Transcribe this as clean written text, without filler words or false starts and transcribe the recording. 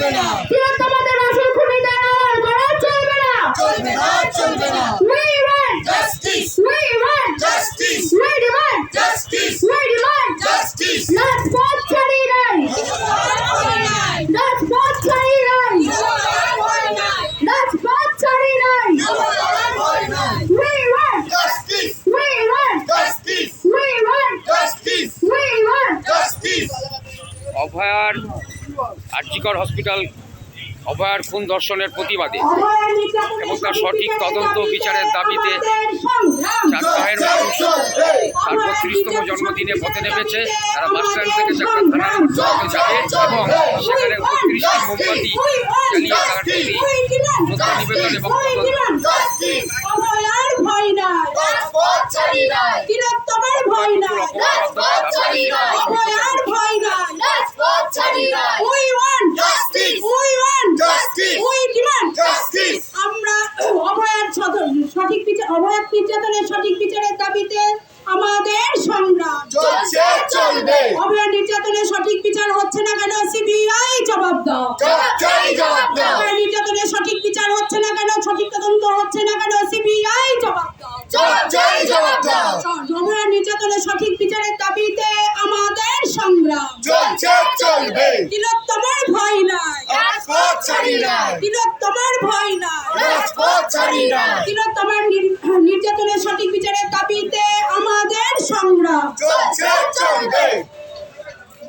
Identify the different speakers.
Speaker 1: তিলোত্তমাদের আসল খুনিদের করা চলবে না। We want
Speaker 2: Justice!
Speaker 1: we want
Speaker 2: Justice!
Speaker 1: we demand
Speaker 2: Justice!
Speaker 1: we demand
Speaker 2: Justice!
Speaker 1: রাজপথ ছাড়ি নাই, রাজপথ ছাড়ি নাই, রাজপথ ছাড়ি নাই। We want
Speaker 2: Justice!
Speaker 1: we want
Speaker 2: Justice!
Speaker 1: we want
Speaker 2: Justice!
Speaker 1: we want
Speaker 2: Justice!
Speaker 3: অভয়ার আরজিকর হসপিটাল অভয়ার খুন ধর্ষণের প্রতিবাদে এবং তার সঠিক তদন্ত বিচারের দাবিতে চাকদাহের মানুষ তার 32তম জন্মদিনে পথে নেমেছে। তারা বাসস্ট্যান্ড থেকে চাকদা থানার মধ্যে যাবে এবং সেখানে 32টি মোমবাতি জ্বালিয়ে তার প্রতি শ্রদ্ধা নিবেদন এবং
Speaker 1: অভয়ার ভয় নাই, তিলোত্তমার ভয় নাই, অভয়ার ভয় নাই। We want
Speaker 2: Justice!
Speaker 1: we want
Speaker 2: Justice!
Speaker 1: we demand
Speaker 2: Justice!
Speaker 1: আমরা অভয়ার সঠিক বিচার, অভয়ার নির্যাতনের সঠিক বিচারের দাবিতে আমাদের সংগ্রাম
Speaker 2: চলছে চলবে
Speaker 1: অভয়ার নির্যাতনের সঠিক বিচার হচ্ছে না কেন? সিবিআই জবাব দাও।
Speaker 2: জবাব দাও
Speaker 1: অভয়ার নির্যাতনের সঠিক বিচার হচ্ছে না কেন? সঠিক তদন্ত হচ্ছে না কেন? সিবিআই জবাব দাও।
Speaker 2: জবাব দাও
Speaker 1: অভয়ার নির্যাতনের সঠিক বিচারের দাবিতে আমাদের সংগ্রাম
Speaker 2: চলছে চলবে
Speaker 1: তিলোত্তমার ভয় নাই,
Speaker 2: রাজপথ ছাড়ি নাই
Speaker 1: তিলোত্তমার ভয় নাই,
Speaker 2: রাজপথ ছাড়ি নাই
Speaker 1: তিলোত্তমার নির্যাতনের সঠিক বিচারের দাবিতে আমাদের সংগ্রাম
Speaker 2: চলছে চলবে